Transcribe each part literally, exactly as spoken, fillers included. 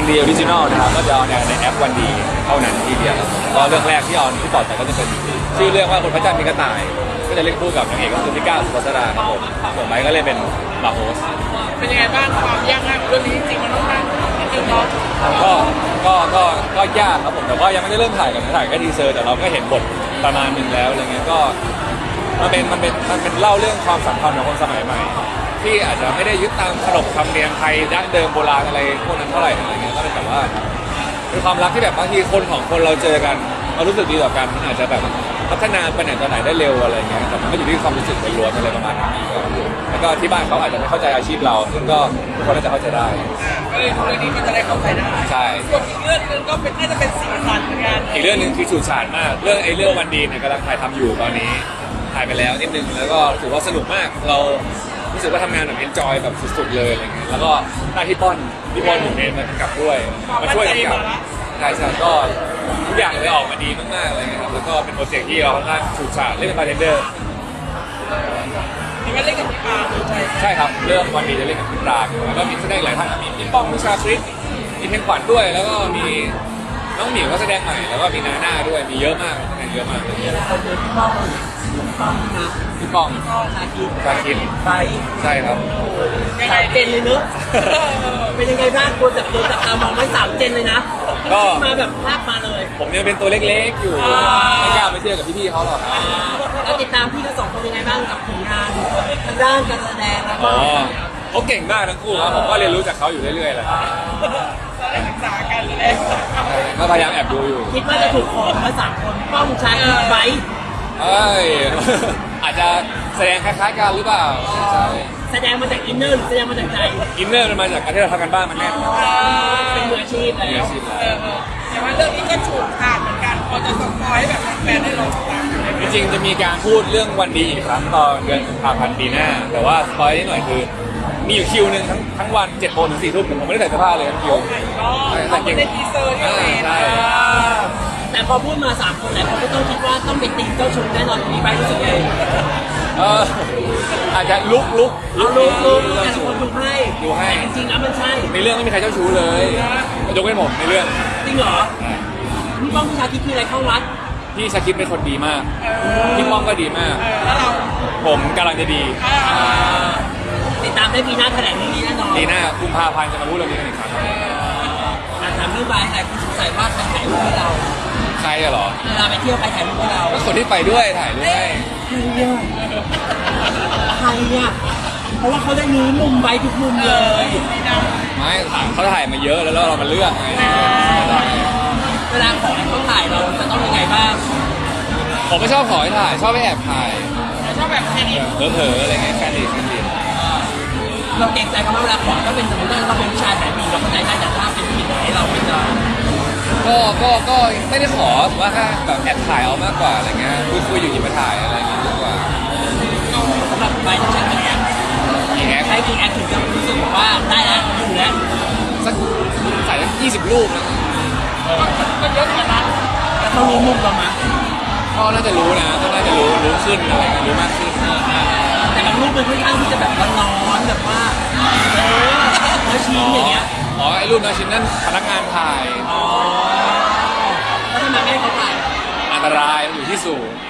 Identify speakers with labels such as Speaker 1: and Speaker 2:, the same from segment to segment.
Speaker 1: ดีออริจินอลนะครับก็จะออนแอร์ในแอปวันดีเท่านั้นทีเดียวก็เรื่องแรกที่ออนที่ต่อไปก็จะเป็นชื่อเรื่องว่าคนพระจันทร์มีกระต่ายก็จะเล่นคู่กับนางเอกก็คือพี่ก้าวสุภัสราครับผมส่วนไม้ก็เล่นเป็นบาโฮส
Speaker 2: เป็นยังไงบ้างความยากง่ายของเรื่องนี้จริงๆมันต้องมาจริงๆเนาะ
Speaker 1: ก็ก็ก็ก็ยากครับผมแต่ว่ายังไม่ได้เริ่มถ่ายกันนะถ่ายแค่ทีเซอร์แต่เราก็เห็นบทประมาณนึงแล้วอะไรเงี้ยก็มันเป็นมันเป็นมันเป็นเล่าเรื่องความสัมพันธ์ของคนสมัยใหม่ที่อาจจะไม่ได้ยึดตามขนบธรรมเนียมไทยดั้งเดิมโบราณอะไรพวกนั้นเท่าไหร่อะไรเงี้ยก็เป็นแบบว่าเป็นความรักที่แบบบางทีคนของคนเราเจอกันเรารู้สึกดีต่อกันมันอาจจะแบบพัฒนาไปไหนต่อไหนได้เร็วอะไรเงี้ยแต่มันก็อยู่ที่ความรู้สึกล้วนๆอะไรประมาณนี้แล้วก็ที่บ้านเขาอาจจะไม่เข้าใจอาชีพเราซึ่งก็ทุกคนน่าจะเข้าใจได้
Speaker 2: ก็เลยเรื่องนี้ก็จะได้เข้าใจได้
Speaker 1: ใช่
Speaker 2: ส่วนอีกเรื่องนึงก็เป็นน่าจะเป็นสีสันเหมือนกัน
Speaker 1: อีกเรื่องนึงคือฉูดฉาดมากเรื่องไอ้เรื่องวันดีเนี่ยกำลังถ่ายทำอยู่ตอนนี้ถ่ายไปแล้วนิดนึงแล้วก็ถือว่าสนุกมากเรารู้สึกว่าทำงานแบบเอนจอยแบบสุดๆเลยอะไรเงี้ยแล้วก็หน้าที่ป้อนที่ป้อนหนุ่มเองมากำกับด้วยมาช่วยกำกับใช่ใช่ก็ทุกอย่างเลยออกมาดีมากๆอะไรเงี้ยครับแล้วก็เป็นโปรเจกต์ที่เราค่อนข้างฉูดฉาดเล่นเป็นบาร์เทนเดอร์
Speaker 2: นี่ก็เล่นกับพี่ปาใช่
Speaker 1: ใช่ครับเรื่องวันดีจะเล่นกับพี่ปราบแล้วก็มีแสดงหลายท่านมีพี่ป้องพี่ชาคริสมีเพลงขวัญด้วยแล้วก็มีน้องหมิวก็แสดงใหม่แล้วก็มีนาหน้าด้วยมีเยอะมากแสดงเยอะมากเลย
Speaker 3: พี่ป้องป้องนะ
Speaker 1: พี่ป้อง
Speaker 3: ชาคิด
Speaker 1: ชาคิด
Speaker 3: ไป
Speaker 1: ใช่ครับ
Speaker 3: สามเจนเลยเนอะเป็นยังไงบ้างตัวจับตัวจับตามองไว้สามเจนเลยนะก็มาแบบภาพมาเลย
Speaker 1: ผมยังเป็นตัวเล็กๆอยู่ไม่กล้าไปเทียบกับพี่ๆเขาหรอก
Speaker 3: แล้วติดตามพี่ทั้งสองคนยังไงบ้างกับผลงานทางด้านการแสดงแล้วก็
Speaker 1: เขาเก่งมากทั้งคู่ครับผมก็เรียนรู้จากเขาอยู่เรื่อยๆแหละ
Speaker 2: ได้ศึกษากันเลย
Speaker 1: ก็พยายามแอบดูอยู่
Speaker 3: คิดว่าจะถูกขอมาสามคนป้องชายไว้
Speaker 1: เอ้ยอาจจะแสดงคล้ายๆกันหรือเปล่าใช่
Speaker 3: แสดงมาจากอินเนอร์หรือแสดงมาจากใจ
Speaker 1: อินเนอร์มันมาจากการที่เราทำกันบ้านมันแน่น
Speaker 3: เป็นมืออาชีพแล้ว
Speaker 2: แต่ว่าเรื่องนี้ก็ฉูดฉาดเหมือนกันพอจะสปอยแบบแฟนได้ลองฟัง
Speaker 1: จริงๆจะมีการพูดเรื่องวันดีอีกครั้งตอนเดือนกุมภาพันธ์ปีหน้าแต่ว่าสปอยนิดหน่อยคือมีอยู่คิวหนึ่งทั้งทั้งวันเจ็ดโมงถึงสี่ทุ่มผมไม่ได้ใส่เสื้อผ้าเลยทั้งคิว
Speaker 2: แต่ยังในทีเซอร์นี่
Speaker 1: ใช่
Speaker 3: แต่พอพูดมาสามคนแล้วเขาก็ต้องคิดว่าต้องเป็นตีมเจ้าชู้แน่นอนมีใบรู้สึกไง
Speaker 1: เอออาจจะลุกลุก
Speaker 3: ลุกลุกลุกแต่คนดูให้
Speaker 1: ดูให้
Speaker 3: จริงๆแล้วมันใช่
Speaker 1: ในเรื่องไม่มีใครเจ้าชู้เลยยกเว้นผมในเรื่อง
Speaker 3: จริงเหรอพี่ป้องพี่ชาคิดคืออะไรเข้าวัด
Speaker 1: พี่ชาคิดเป็นคนดีมากพี่ป้องก็ดีมากผมกำลังจะดี
Speaker 3: ติดตามได้ปีหน้าแถลงเรื่องนี้แน่นอน
Speaker 1: ปีหน้ากุมภาพันธ์จะมาพูดเรื่องนี้กันอีกครั้ง
Speaker 3: ถามเรื่องใบแต่คุณสงสัยว่าใครถ่ายรูปให้เรา
Speaker 1: ใครเหรอ
Speaker 3: เวลาไปเที่ยวใครถ่ายรูปให้เรา
Speaker 1: ก็คนที่ไปด้วยถ่ายรูปให้
Speaker 3: ใครเนี่ยใครเนี่ยเพราะว่าเขาได้รู้มุมใบทุกมุมเลย
Speaker 1: ไม่เขาถ่ายมาเยอะแล้วเรามาเลือกไง
Speaker 3: เวลาขอให้เขาถ่ายเราจะต้องยังไงบ้าง
Speaker 1: ผมไม่ชอบขอให้ถ่ายชอบไปแอบถ่าย
Speaker 2: ชอบแบบแค่นี้
Speaker 1: เผลอๆอะไรเงี้ยแค่นี้แค่นี้
Speaker 3: เราเกรงใจเขาเวลาขอก็เป็นสมมติว่าเราเป็นผู้ชายถ่ายมีเราเข้าใจได้แต่ถ้าเป็นผู้หญิงให้เราไม่จะ
Speaker 1: ก็ก็ก็ไม่ได้ขอแต่ว่าแค่แบบแอบถ่ายเอามากกว่าอะไรเงี้ยคุยคุยอยู่หยิบมาถ่ายอะไรเงี้ยมากกว่า
Speaker 3: สำหรับใบที่ใช้กี่แอป
Speaker 1: กี่แอป
Speaker 3: ใช้กี่แอปถึงจะรู้สึกว่าได้แล้วอยู่แล้ว
Speaker 1: สักถ่ายสักยี่สิบรูปนะ
Speaker 2: ก็เยอะเหมือนกัน
Speaker 3: แต่เขารู้มุมเราไหม
Speaker 1: ก็น่าจะรู้นะก็น่าจะรู้รู้ขึ้นอะไรรู้มากขึ้น
Speaker 3: แต่บางรูปมันค่อนข้างที่จะแบบร้อนๆแบบว่าเออแล้วชิ้นอย่างเงี้ย
Speaker 1: อ๋อไอ้รูปน้อยชิ้นนั่นพนักงานถ่าย
Speaker 3: อ๋อแล้วทำไมไม่ให้เขาถ่าย
Speaker 1: อันตรายอยู่ที่สูง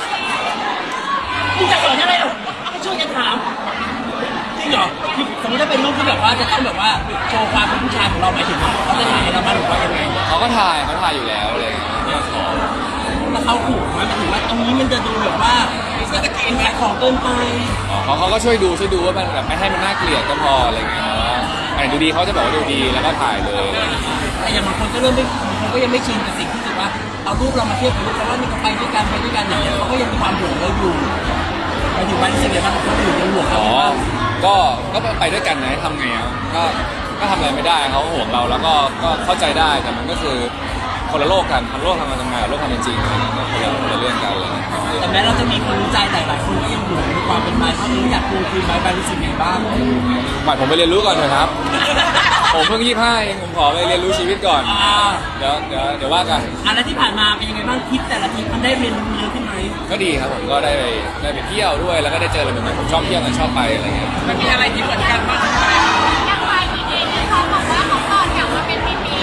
Speaker 3: มึงจะสอนอะไรหรอไม่ช่วยกันถามจริงเหรอสมมติถ้าเป็นรูปที่แบบว่าจะต้องแบบว่าโชว์ความเป็นผู้ชายของเราหมายถึงเขาจะถ่ายเราบ้างหรือว่ายังไง
Speaker 1: เขาก็ถ่ายเขาถ่ายอยู่แล้วเลยไม่ขอ
Speaker 3: แล้วเขาขู่ไหมหมายถึงว่าตรงนี้มันจะดูแบบว่าจะตะกินขายของเกินไป
Speaker 1: เขาเขาก็ช่วยดูช่วยดูว่ามันแบบไม่ให้มันน่าเกลียดก็พออะไรเงี้ยอันไหนดูดีเขาจะบอกว่าดูดีแล้วก็ถ่ายเลย
Speaker 3: แต่อย่างบางคนก็เริ่มไม่บางคนก็ยังไม่ชินกับสิ่งที่ถือว่าเอารูปเรามาเทียบกับรูปเขาว่านี่เขาไปด้วยกันไปด้วยกันอย่างเงี้ยเขาก็ยังมีความห่วงเราอยู่ไปถึงวันที่เสียบ้างเขาอยู่ยังห่วงเรา
Speaker 1: อ๋อก็ก็ไปด้วยกันนะทำไงอ่ะก็ก็ทำอะไรไม่ได้เขาห่วงเราแล้วก็ก็เข้าใจได้แต่มันก็คือคนละโลกกันคนละโลกทำงานทำงานโลกทำเป็นจริงอะไรเงี้ยคนละคนละเรื่องกันเลย
Speaker 3: แต่แม้เราจะมีคนรู้ใจแต่หลายคนก็ยังห่วงในความเป็นไม้เขาเองอยากดูคืนไม้ไปรู้สึกยังไงบ้าง
Speaker 1: หมายผมไปเรียนรู้ก่อนเถอะครับผมเพิ่งยี่สิบห้าเองผมขอไปเรียนรู้ชีวิตก่อนเดี๋ยวเดี๋ยวเดี๋ยวว่ากัน
Speaker 3: อันแล้วที่ผ่านมาเป็นยังไงบ้างทริปแต่ละทริปมันได้เรียนรู้เยอะขึ้นไหม
Speaker 1: ก็ดีครับผมก็ได้ไปได้ไปเที่ยวด้วยแล้วก็ได้เจออะไรใหม่ๆผมชอบเที่ยวกันชอบไปอะไรเงี้ย
Speaker 2: มันมีอะไรที่เหมือนกันบ้างไหม
Speaker 4: อย่างไรดีเองที่เขาบอกว่าเขาตอนอยากมาเป็นพี่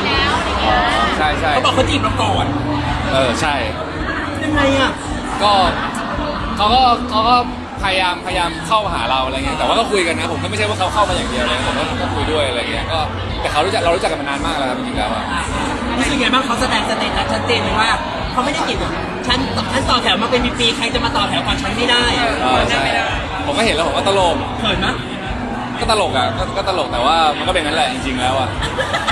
Speaker 3: บอกเขาจีบเราก่อน
Speaker 1: เออใช่
Speaker 3: ยังไงอ่ะ
Speaker 1: ก็เขาก็เขาก็พยายามพยายามเข้ามาหาเราอะไรเงี้ยแต่ว่าก็คุยกันนะผมก็ไม่ใช่ว่าเขาเข้ามาอย่างเดียวเลยผมก็ก็คุยด้วยอะไรเงี้ยก็แต่เขารู้จักเรารู้จักกันมานานมากแล้วครับจริงๆแล้วอะ
Speaker 3: รู้สึกไงบ้างเขาแสดงสเตตัสชัดเจนเลยว่าเขาไม่ได้จีบฉันฉันต่อแถวมาเป็นปีๆใครจะมาต่อแถวก่อนฉันไม่ได้
Speaker 1: เออใช่ผมก็เห็นแล้วผมก็ตลก
Speaker 3: เขินมั้ย
Speaker 1: ก็ตลกอ่ะก็ก็ตลกแต่ว่ามันก็เป็นงั้นแหละจริงๆแล้วอ่ะ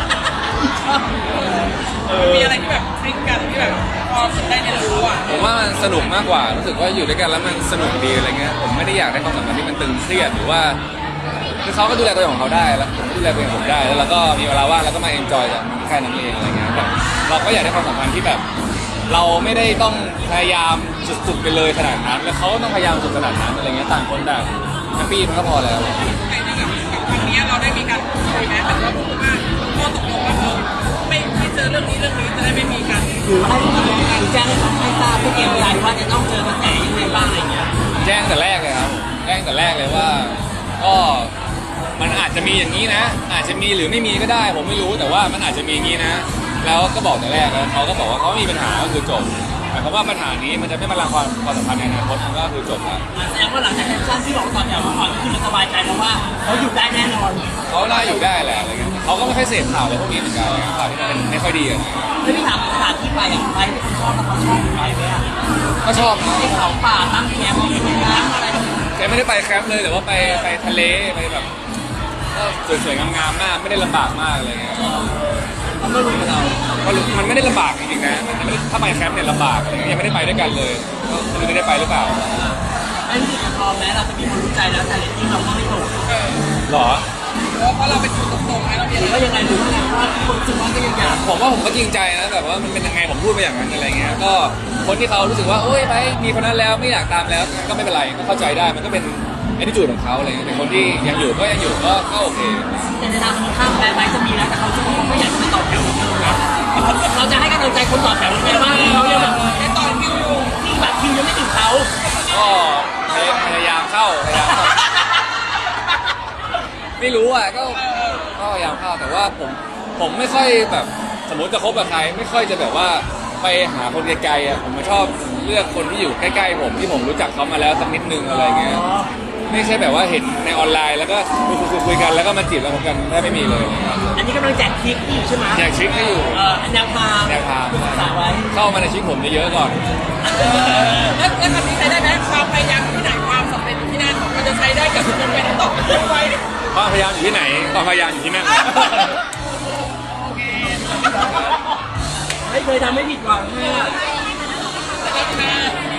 Speaker 2: มีอะไรที่แบบคลิกกันที่แบบพอสุดได้เรียนรู้อ่ะ
Speaker 1: ผมว่ามันสนุกมากกว่ารู้สึกว่าอยู่ด้วยกันแล้วมันสนุกดีอะไรเงี้ยผมไม่ได้อยากได้ความสัมพันธ์ที่มันตึงเครียดหรือว่าคือเขาก็ดูแลตัวเองของเขาได้แล้วผมก็ดูแลตัวเองของผมได้แล้วเราก็มีเวลาว่างแล้วก็มาเอนจอยกับแค่นั้นเองอะไรเงี้ยแบบเราก็อยากได้ความสัมพันธ์ที่แบบ เราไม่ได้ต้องพยายามสุดๆไปเลยขนาดนั้นแล้วเขาก็ต้องพยายามสุดขนาดนั้นอะไรเงี้ยต่างคนต่างแฮปปี้มันก็พอแล้ว
Speaker 2: ไอ้นี่กับกับครั้งนี้เราได้มีการคุยไหมแบบว่าพูดว่าข้อตกลงว่าเออไม่ไม่เจอเรื่องนี้เรื่องนี้จะได้ไม่มีกัน
Speaker 3: หรือให้หรือแจ้งให้เขาให้ทราบผู้เกี่ยวกับว่าจะต้องเจอกระแสยังไงบ้างอะไรเงี้ย
Speaker 1: แจ้งแต่แรกเลยครับแจ้งแต่แรกเลยว่าก็มันอาจจะมีอย่างนี้นะ อาจจะมีหรือไม่มีก็ได้ ผมไม่รู้แต่ว่ามันอาจจะมีอย่างนี้นะ แล้วก็บอกแต่แรกแล้วเขาก็บอกว่าเขาไม่มีปัญหาก็คือจบหมายความว่าปัญหานี้มันจะไม่มาลังความความสัมพันธ์ในอนาคตมันก็คือจบแล้ว
Speaker 3: แสดงว่าหลังจากแอคชั่นที่บอกต่อแถวมาก่อนก็คือมันสบายใจแล้วว่าเขาอยู่ได้แน่นอน
Speaker 1: เขาน่าอยู่ได้แหละอะไรเงี้ยเขาก็ไม่ค่อยเสพข่าวอะไรพวกนี้เหมือนกันข่าวที่มันไม่ค่อยดีอะ
Speaker 3: แล้วพี่ถามสถานที่ไปอ่ะไปที่คุณชอบแล้วเขาชอบไปไหมอ่ะ
Speaker 1: ก็ชอบนะ
Speaker 3: ที่เขาป่าตั้งแคมป์มีน้ำอะไร
Speaker 1: แกไม่ได้ไปแคมป์เลยแต่ว่าไปไปทะเลไปแบบก็สวยๆงามๆมากไม่ได้ลำบากมากอะไรเงี้ย
Speaker 3: เขาไม่รู้กับเรา
Speaker 1: ก็รู้มันไม่ได้ลำบากจริงๆนะมันไม่ได้ถ้าไปแคมป์เนี่ยลำบากอะไรเงี้ยยังไม่ได้ไปด้วยกันเลยก็ไม่รู้ได้ไปหรือเปล่า
Speaker 3: ไอ้ที่กับพอแม้เราจะมีคนรู้ใจแล้วแต่เรตติ้งเราก็ไม่ตก
Speaker 1: หรอ
Speaker 2: เพราะเราเป็นคนตรงๆไงเรามี
Speaker 3: หรือว่ายังไงหรือว่าไงเพราะว่าทุกคนรู้สึกว่าก็ยังอยาก
Speaker 1: ผมว่าผมก็จริงใจนะแบบว่ามันเป็นยังไงผมพูดไปอย่างนั้นอะไรเงี้ยก็คนที่เขารู้สึกว่าโอ๊ยไปมีคนนั้นแล้วไม่อยากตามแล้วก็ไม่เป็นไรก็เข้าใจได้มันก็เป็นแอทิจูดของเขาอะไรเงี้ยแต่คนที่ยังอยู่ก็ยังอยู่ก็ก็โอเค
Speaker 3: แต่ในทางตรงข้ามแม้ไม้จะมีแล้วแต่เขาคิดว่าเขาไม่อยากจะไปต่อแถวเหมือนเดิมนะเราจะให้กำลังใจคนต่อแถวยังไงบ้างเขายังแบบ
Speaker 2: ในตอนคิวอยู่
Speaker 3: ที่บัตรคิวยังไม่ถึงเขา
Speaker 1: ก็พยายามเข้าพยายามเข้าไม่รู้อ่ะก็ก็พยายามเข้าแต่ว่าผมผมไม่ค่อยแบบสมมติจะคบกับใครไม่ค่อยจะแบบว่าไปหาคนไกลๆอ่ะผมชอบเลือกคนที่อยู่ใกล้ๆผมที่ผมรู้จักเขามาแล้วสักนิดนึงอะไรเงี้ยไม่ใช่แบบว่าเห็นในออนไลน์แล้วก็คุยคุยคุยกันแล้วก็มาจีบแล้วผมกันแทบไม่มีเลย
Speaker 3: อันนี้กำลังแจกทริคอยู่ใช่ไหม
Speaker 1: อยากชิคให้อยู่
Speaker 3: เออแนวทาง
Speaker 1: แนวทาง
Speaker 3: ศึกษาไว้
Speaker 1: เข้ามาในชีวิตผมเยอะๆก่อน
Speaker 2: แล้วแล้วคำนี้ใช้ได้ไหมความพยายามที่ไหนความสำเร็จที่นั่นมันจะใช้ได้กับคนเป็นตกไว้
Speaker 1: ความพยายามอยู่ที่ไหนความพยายามอยู่ที่นั่น
Speaker 2: โอเค
Speaker 3: ไม่เคยทำให้ผิดหวังเลยอะ
Speaker 2: แล้วก็